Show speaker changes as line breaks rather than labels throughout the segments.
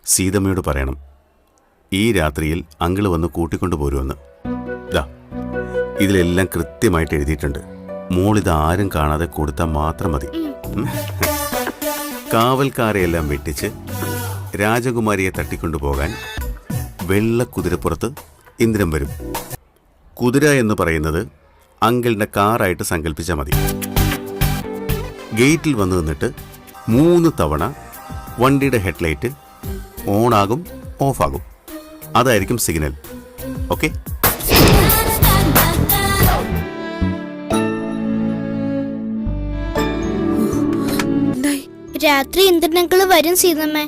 സീതമ്മയോട് പറയണം ഈ രാത്രിയിൽ അങ്കിള് വന്ന് കൂട്ടിക്കൊണ്ടു പോരുമെന്ന്. ദാ ഇതിലെല്ലാം കൃത്യമായിട്ട് എഴുതിയിട്ടുണ്ട്. മോളിത് ആരും കാണാതെ കൊടുത്താൽ മാത്രം മതി. കാവൽക്കാരെയെല്ലാം വെട്ടിച്ച് രാജകുമാരിയെ തട്ടിക്കൊണ്ടുപോകാൻ വെള്ള കുതിരപ്പുറത്ത് ഇന്ദ്രൻ വരും. കുതിര എന്ന് പറയുന്നത് അങ്കിളിൻ്റെ കാറായിട്ട് സങ്കല്പിച്ചാൽ മതി. ഗേറ്റിൽ വന്നു നിന്നിട്ട് 3 തവണ വണ്ടിയുടെ ഹെഡ്ലൈറ്റ് ഓണാകും ഓഫാകും. അതായിരിക്കും സിഗ്നൽ. ഓക്കെ?
രാത്രി ഇന്ദ്രനങ്കിള് വരും സീതമ്മേ.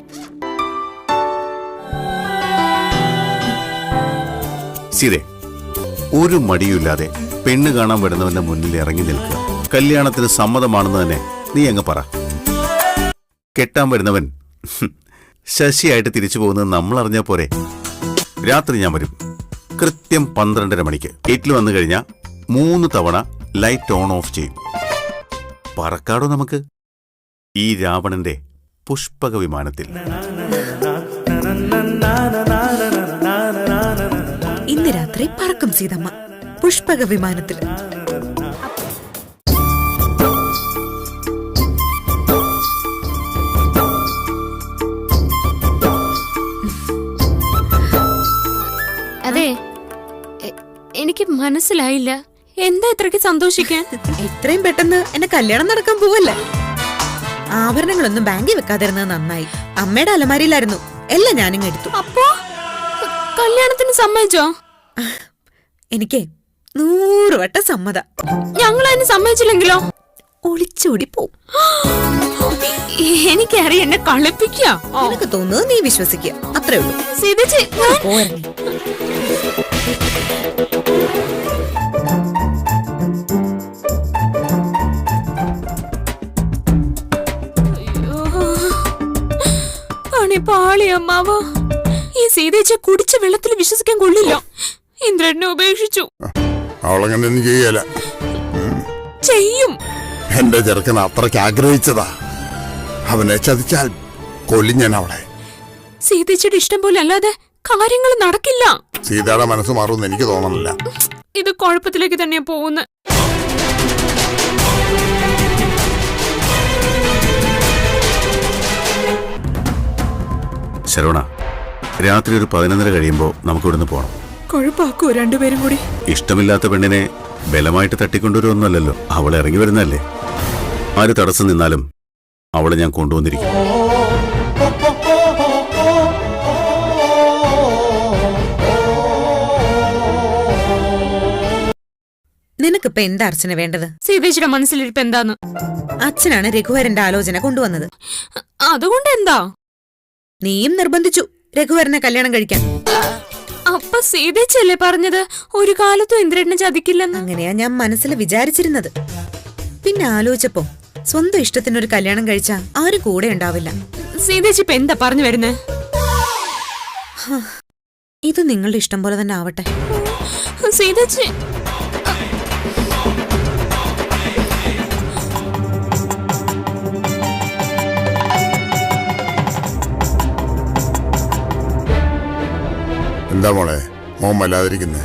സീതേ, ഒരു മടിയുമില്ലാതെ പെണ്ണ് കാണാൻ വരുന്നവന്റെ മുന്നിൽ ഇറങ്ങി നിൽക്കുക. കല്യാണത്തിന് സമ്മതമാണെന്ന് തന്നെ നീ അങ്ങ് പറ. കെട്ടാൻ വരുന്നവൻ ശശിയായിട്ട് തിരിച്ചു പോകുന്നത് നമ്മൾ അറിഞ്ഞാൽ പോരെ. രാത്രി ഞാൻ വരും കൃത്യം 12:30 മണിക്ക്. ഗേറ്റിൽ വന്നു കഴിഞ്ഞാൽ 3 തവണ ലൈറ്റ് ഓൺ ഓഫ് ചെയ്യും. പറക്കാടോ നമുക്ക് ഈ രാവണന്റെ പുഷ്പക വിമാനത്തിൽ.
ഇന്ന് രാത്രി പറക്കും സീതമ്മ പുഷ്പക വിമാനത്തിൽ.
അതെ, എനിക്ക് മനസ്സിലായില്ല എന്താ ഇത്രയ്ക്ക് സന്തോഷിക്കാൻ.
എത്രയും പെട്ടെന്ന് എന്റെ കല്യാണം നടക്കാൻ പോവല്ലേ. ആഭരണങ്ങളൊന്നും ബാങ്കിൽ വെക്കാതിരുന്നത് നന്നായി. അമ്മയുടെ അലമാരിയിലായിരുന്നു, എല്ലാം ഞാനിങ് എടുത്തു.
അപ്പോ കല്യാണത്തിന് സമ്മതിച്ചോ?
എനിക്ക് 100 വട്ടം സമ്മത.
ഞങ്ങൾ അതിന് സമ്മതിച്ചില്ലെങ്കിലോ?
ഒളിച്ചോടി പോവും.
എനിക്കറിയാം, എന്നെ കളിപ്പിക്കുക.
എനിക്ക് തോന്നുന്നത് നീ വിശ്വസിക്കുക, അത്രേ ഉള്ളൂ.
പാളി അമ്മാവോ, ഈ സീതേച്ച കുടിച്ച വെള്ളത്തിൽ വിശ്വസിക്കാൻ കൊള്ളില്ല. ഇന്ദ്രനെ ഉപേക്ഷിച്ചു.
അവളങ്ങനെ
ചെയ്യും.
എന്റെ ചെറുക്കൻ അത്രയ്ക്ക് ആഗ്രഹിച്ചതാ. അവനെ ചതിച്ചാൽ കൊല്ലും ഞാൻ അവളെ.
സീതേച്ചയുടെ ഇഷ്ടം പോലെ അല്ലാതെ കാര്യങ്ങൾ നടക്കില്ല.
സീതയുടെ മനസ്സ് മാറുമെന്ന് എനിക്ക് തോന്നുന്നില്ല.
ഇത് കുഴപ്പത്തിലേക്ക് തന്നെയാ പോകുന്നത്.
ശരവണ, രാത്രി ഒരു 11:30 കഴിയുമ്പോൾ നമുക്ക് ഇവിടുന്ന് പോകണം.
കുഴപ്പാക്കോ രണ്ടുപേരും കൂടി?
ഇഷ്ടമില്ലാത്ത പെണ്ണിനെ ബലമായിട്ട് തട്ടിക്കൊണ്ടുവരുമൊന്നുമല്ലല്ലോ. അവളെ ഇറങ്ങി വരുന്നല്ലേ. ആര് തടസ്സം നിന്നാലും അവളെ ഞാൻ കൊണ്ടുവന്നിരിക്കും.
നിനക്കിപ്പോ എന്താ അർച്ചന വേണ്ടത്?
സീതേച്ചിയുടെ മനസ്സിലിരിപ്പ് എന്താന്ന്?
അച്ഛനാണ് രഘുവരന്റെ ആലോചന കൊണ്ടുവന്നത്.
അതുകൊണ്ട് എന്താ?
നീയും നിർബന്ധിച്ചു രഘുവരനെ കല്യാണം കഴിക്കാൻ.
അപ്പൊ സീതേച്ചല്ലേ പറഞ്ഞത് ഒരു കാലത്തും ഇന്ദ്രനെ ചതിക്കില്ലെന്ന്?
അങ്ങനെയാ ഞാൻ മനസ്സിൽ വിചാരിച്ചിരുന്നത്. പിന്നെ ആലോചിച്ചപ്പോ സ്വന്തം ഇഷ്ടത്തിനൊരു കല്യാണം കഴിച്ചാ ആരും കൂടെ ഉണ്ടാവില്ല.
സീതേച്ചി ഇപ്പൊ എന്താ പറഞ്ഞു വരുന്നേ?
ഇത് നിങ്ങളുടെ ഇഷ്ടം പോലെ തന്നെ ആവട്ടെ.
സീതേച്ചി,
എന്താ മോളെ മോൻ വല്ലാതിരിക്കുന്നേ?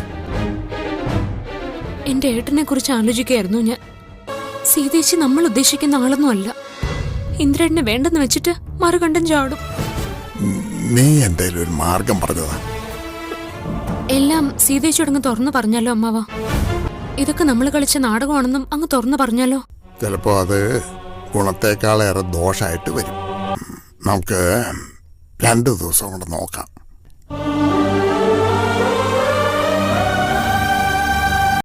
എന്റെ ഏട്ടനെ കുറിച്ച് ആലോചിക്കുകയായിരുന്നു ഞാൻ. സീതേച്ചി നമ്മൾ ഉദ്ദേശിക്കുന്ന ആളൊന്നും അല്ല. ഇന്ദ്രനെ വേണ്ടെന്ന് വെച്ചിട്ട് മറുകണ്ടം ചാടും.
നീ എന്തായാലും ഒരു മാർഗം പറഞ്ഞതാ.
എല്ലാം സീതേച്ചിയോട് അങ്ങ് തുറന്നു പറഞ്ഞാലോ അമ്മാവ? ഇതൊക്കെ നമ്മൾ കളിച്ച നാടകമാണെന്നും അങ്ങ് തുറന്നു പറഞ്ഞാലോ?
ചിലപ്പോ അത് ഗുണത്തേക്കാളേറെ ദോഷമായിട്ട് വരും. നമുക്ക് 2 ദിവസം കൊണ്ട് നോക്കാം.